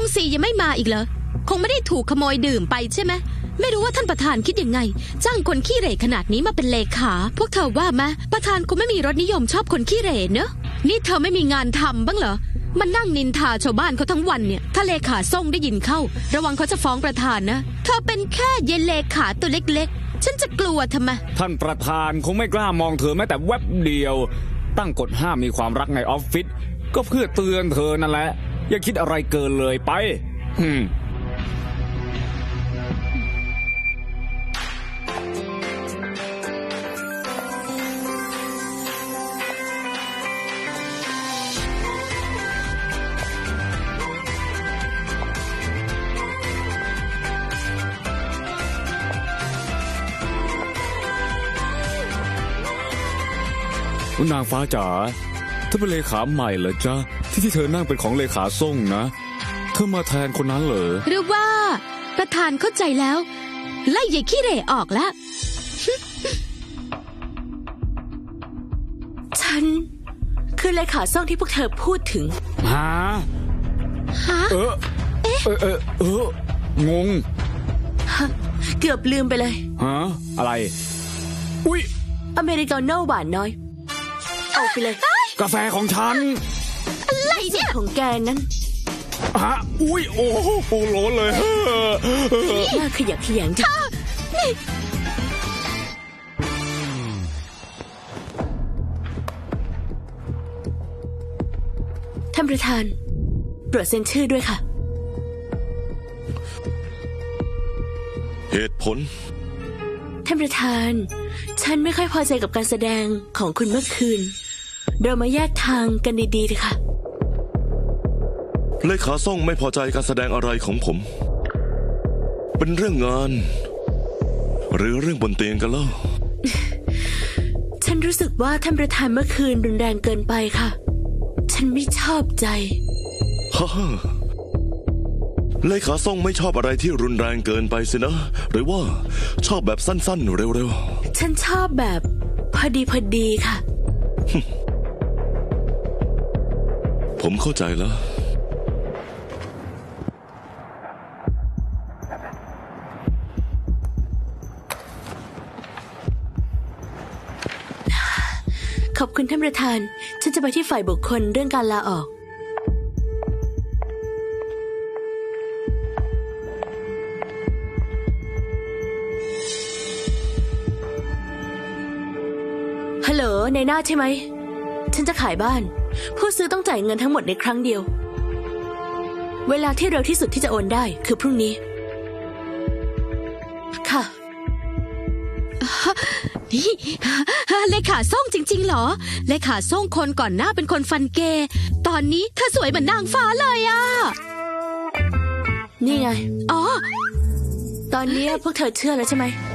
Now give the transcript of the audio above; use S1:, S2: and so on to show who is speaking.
S1: งศรียังไม่มาอีกเหรอคงไม่ได้ถูกขโมยดื่มไปใช่ไหมไม่รู้ว่าท่านประธานคิดยังไงจ้างคนขี้เหร่ขนาดนี้มาเป็นเลขาพวกเธอว่าไหมประธานคงไม่มีรสนิยมชอบคนขี้เหร่เนอะนี่เธอไม่มีงานทำบ้างเหรอมันนั่งนินทาชาวบ้านเขาทั้งวันเนี่ยถ้าเลขาส่งได้ยินเข้าระวังเขาจะฟ้องประธานนะเธอเป็นแค่เยนเลขาตัวเล็กๆฉันจะกลัวทำไม
S2: ท่านประธานคงไม่กล้ามองเธอแม้แต่แวบเดียวตั้งกฎห้ามมีความรักในออฟฟิศก็เพื่อเตือนเธอนั่นแหละอย่าคิดอะไรเกินเลยไปนางฟ้าจ๋าเธอเป็นเลขาใหม่เหรอจ๊ะที่เธอนั่งเป็นของเลขาส่งนะเธอมาแทนคนนั้นเหรอ
S1: หรือว่าประธานเข้าใจแล้วไล่ยายขี้เหร่ออกแล้ว
S3: ฉันคือเลขาส่งที่พวกเธอพูดถึง
S2: ฮะงง
S3: เกือบลืมไปเลย
S2: ฮะอะไรอุ๊ย
S3: อเมริกาโน่หวานน้อยเอาไปเลย
S2: กาแฟของฉัน
S1: อะไรเนี่ย
S3: ของแกนั้น
S2: ฮะอุ๊ยโอ้โหโหลเลย
S3: น่าขยักขยงจังท่านประธานโปรดเซ็นชื่อด้วยค่ะ
S4: เหตุผล
S3: ท่านประธานฉันไม่ค่อยพอใจกับการแสดงของคุณเมื่อคืนเรามาแยกทางกันดีๆเถอะค่ะ
S4: เลขาส่งไม่พอใจการแสดงอะไรของผมเป็นเรื่องงานหรือเรื่องบนเตียงกันเล่า
S3: ฉันรู้สึกว่าท่านประธานเมื่อคืนรุนแรงเกินไปค่ะฉันไม่ชอบใจ
S4: ฮ่าเลขาส่งไม่ชอบอะไรที่รุนแรงเกินไปสินะหรือว่าชอบแบบสั้นๆเร็ว
S3: ๆฉันชอบแบบพอดีค่ะ
S4: ผมเข้าใจแล้ว
S3: ขอบคุณท่านประธานฉันจะไปที่ฝ่ายบุคคลเรื่องการลาออกฮัลโหลในหน้าใช่ไหมฉันจะขายบ้านผู้ซื้อต้องจ่ายเงินทั้งหมดในครั้งเดียวเวลาที่เร็วที่สุดที่จะโอนได้คือพรุ่งนี้ค่ะ
S1: นี่เลขาส่งจริงๆเหรอเลขาส่งคนก่อนหน้าเป็นคนฟันเกย์ตอนนี้เธอสวยเหมือนนางฟ้าเลยอ่ะ
S3: นี่ไง
S1: อ๋อ
S3: ตอนนี้พวกเธอเชื่อแล้วใช่ไหม